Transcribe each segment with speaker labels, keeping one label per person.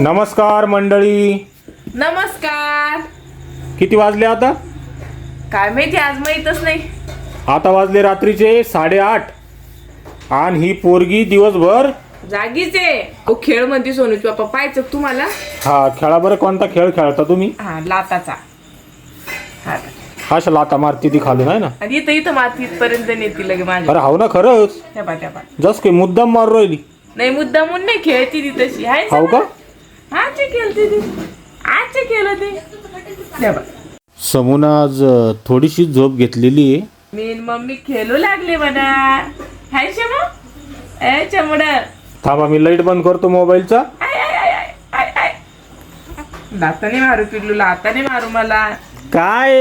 Speaker 1: नमस्कार मंडळी.
Speaker 2: नमस्कार.
Speaker 1: किती वाजले आता?
Speaker 2: काय माहिती, आज माहीतच नाही.
Speaker 1: आता वाजले रात्रीचे 8:30 आणि ही पोरगी दिवसभर
Speaker 2: जागीच आहे. ओ खेळ म्हणते सोनूच पप्पा, पाहायचं का तुम्हाला?
Speaker 1: हा खेळा बरं. कोणता खेळ खेळता तुम्ही?
Speaker 2: हा, लाताचा. हा,
Speaker 1: अशा लाता मारती ती खालून आहे ना.
Speaker 2: आणि इथं मातीत पर्यंत नेती लगे माझ्या.
Speaker 1: अरे हाव ना, खरंच
Speaker 2: त्या पा
Speaker 1: जस काही मुद्दाम मारू राहिली.
Speaker 2: नाही, मुद्दा म्हणून नाही, खेळती ती तशी आहे.
Speaker 1: हाव का?
Speaker 2: आजचे खेळती ती, आजचे खेळ ते. त्या पहा.
Speaker 1: समून आज थोडीशी झोप घेतलेली आहे.
Speaker 2: मी न मम्मी खेळू लागले म्हणा. हाय शमू, ए चमड.
Speaker 1: थांबा, मी लाईट बंद करतो मोबाईलचा.
Speaker 2: लाताने मारू पिल्लू, लाताने मारू मला.
Speaker 1: काय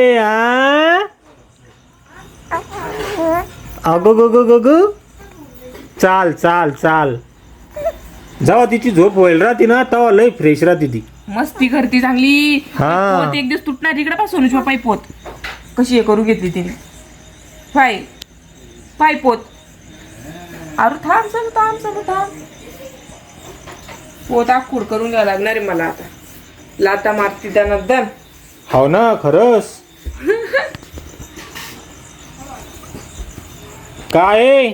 Speaker 1: अगो गो गो गो गो. चाल चाल चाल. जेव्हा तिची झोप होईल राहते ना तेव्हा लय फ्रेश राहते ती.
Speaker 2: मस्ती करती चांगली.
Speaker 1: हा.
Speaker 2: पोत एक दिवस तुटणार इकडे पा सोनूची पाय पोत कशी हे करू घेतली तिने. पाय पाय पोत. अरे थांब सर, थांब सर, थांब. पोत आखूड करून घ्यावं लागणार आहे मला आता. लाता मारती त्यांना दन.
Speaker 1: हो ना, खरंच. काय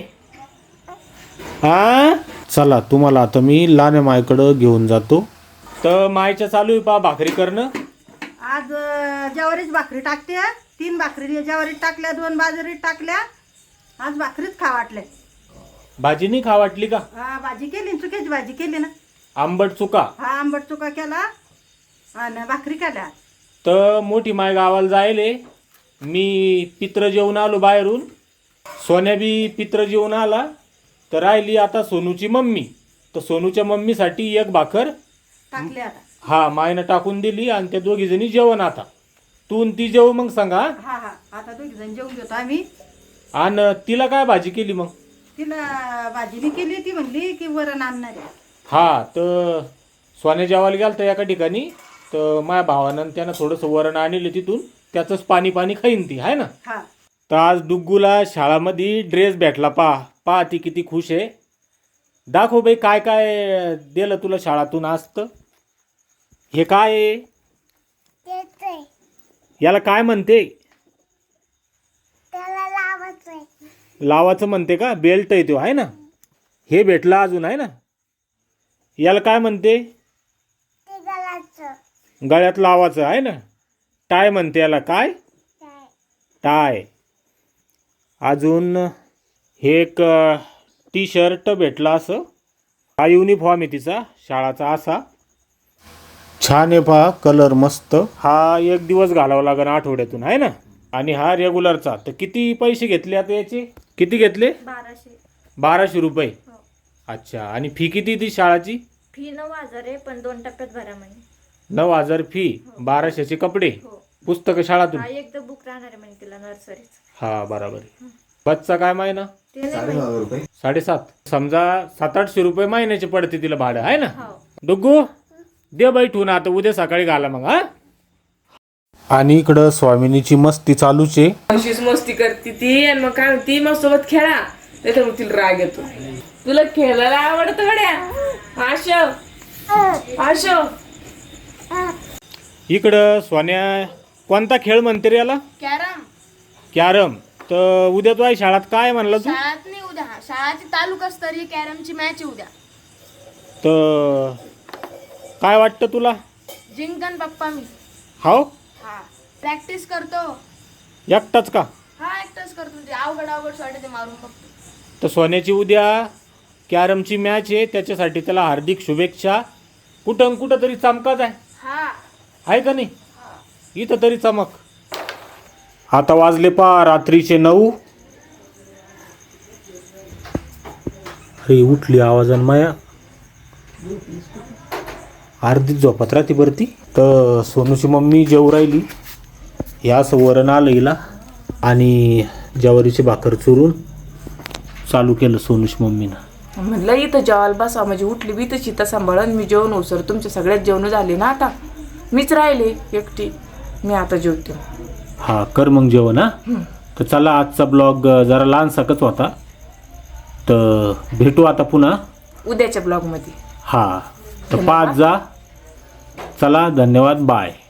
Speaker 1: हा, चला तुम्हाला आता मी लाने मायकडं घेऊन जातो. तर मायच्या चालू आहे पा भाकरी करणं.
Speaker 3: आज ज्वारीच भाकरी टाकते. 3 भाकरी ज्वारीत टाकल्या, 2 बाजरीत टाकल्या. आज भाकरीच खा वाटले.
Speaker 1: भाजी नाही खा वाटली का?
Speaker 3: हा, भाजी केली, चुक्याची भाजी केली ना.
Speaker 1: आंबट चुका.
Speaker 3: हा, आंबट चुका केला आणि भाकरी केल्या.
Speaker 1: तर मोठी माय गावाला जायले. मी पित्र जेवून आलो बाहेरून. सोन्या बी पित्र जेवून आला. तर राहिली आता सोनूची मम्मी. तर सोनूच्या मम्मीसाठी एक भाकर
Speaker 3: टाकली आता.
Speaker 1: हा मायनं टाकून दिली आणि त्या दोघी जणी जेवण. आता तू ती जेव मग सांगा.
Speaker 3: हा हा, आता 2 जण जेवून घेतो आम्ही.
Speaker 1: आणि तिला काय भाजी केली मग?
Speaker 3: तिला भाजीने केली. ती म्हणली की वरण आणणार आहे.
Speaker 1: हा, तर सोन्या जेवायला गेला तर एका ठिकाणी. तर माझ्या भावानं त्यानं थोडंसं वरण आणले तिथून. त्याचंच पाणी पाणी खाईन ती आहे ना.
Speaker 3: हा,
Speaker 1: तर आज डुग्गूला शाळामध्ये ड्रेस भेटला. पहा ती किती खुश आहे. दाखव बाई काय काय दिलं तुला शाळातून असतं. हे काय आहे? याला काय म्हणते? लावाचं म्हणते का? बेल्ट आहे तो आहे ना. हे भेटला अजून आहे ना. याला काय म्हणते? गळ्यात लावाचं आहे ना. टाय म्हणते याला. काय? टाय. अजून हे एक टी शर्ट भेटला. असं हा युनिफॉर्म आहे तिचा शाळाचा. असा छान आहे पहा, कलर मस्त. हा एक दिवस घालावा लागेल आठवड्यातून आहे ना. आणि हा रेग्युलरचा. तर किती पैसे घेतले आता याचे? किती घेतले? 1200 रुपये. अच्छा. आणि फी किती ती शाळाची?
Speaker 4: फी 9,000 आहे, पण 2 टप्प्यात भरा म्हणे.
Speaker 1: 9,000 फी. 1200चे कपडे, पुस्तकं शाळातून.
Speaker 4: हा, एकदा बुक राहणार आहे म्हणे तिला नर्सरीच.
Speaker 1: हा बरोबर आहे. बसचा काय महिना?
Speaker 4: ते नाही माहिती.
Speaker 1: 7,500. समजा 700-800 रुपये महिन्याचे पडते तिला भाडं आहे ना.
Speaker 4: हो.
Speaker 1: डुग्गू दे बैठून आता, उद्या सकाळी घाला मग. हा. आणि इकडं स्वामिनीची मस्ती चालूच आहे.
Speaker 2: अशीच मस्ती करते ती. आणि मग काय म्हणती, मग सोबत खेळा. नाही तर मग तिला राग येतो. तुला खेळायला आवडतं गड्या? आशो
Speaker 1: इकडं सोन्या कोणता खेळ म्हणते रे याला?
Speaker 4: कॅरम.
Speaker 1: कॅरम. तर उद्या तू आहे शाळात काय म्हणला तू?
Speaker 4: शाळात नाही, उद्या शाळाची तालुकास्तरीय कॅरमची मॅच आहे उद्या.
Speaker 1: तर काय वाटतं तुला?
Speaker 4: जिंकन पप्पा मी.
Speaker 1: हाव.
Speaker 4: हा, प्रॅक्टिस करतो.
Speaker 1: एकटाच का?
Speaker 4: हा, एकटाच करतो. ते अवघड वाटते ते मारून फक्त.
Speaker 1: तर सोन्याची उद्या कॅरमची मॅच आहे. त्याच्यासाठी त्याला हार्दिक शुभेच्छा. कुठं तरी चमकाच आहे.
Speaker 4: हा,
Speaker 1: आहे का नाही? इथं तरी चमक. आता वाजले पा रात्रीचे 9. अरे उठली आवाजान माया. अर्धीच झोपत राहते बरं ती. तर सोनूची मम्मी जेवू राहिली. या असं वरण आलं हिला आणि ज्वारीची भाकर चुरून चालू केलं सोनूची मम्मीनं.
Speaker 2: म्हणलं इथं जेवायला बसा, म्हणजे उठली बी तर चिता सांभाळून मी जेवण उसर. तुमच्या सगळ्यात जेवण झाले ना. आता मीच राहिले एकटी. मी आता जेवते.
Speaker 1: हा कर मग जेवण. हा. तर चला आजचा ब्लॉग जरा लहानसाकच होता. तर भेटू आता पुन्हा
Speaker 2: उद्याच्या ब्लॉगमध्ये.
Speaker 1: हा. तर पाच जा. चला, धन्यवाद, बाय.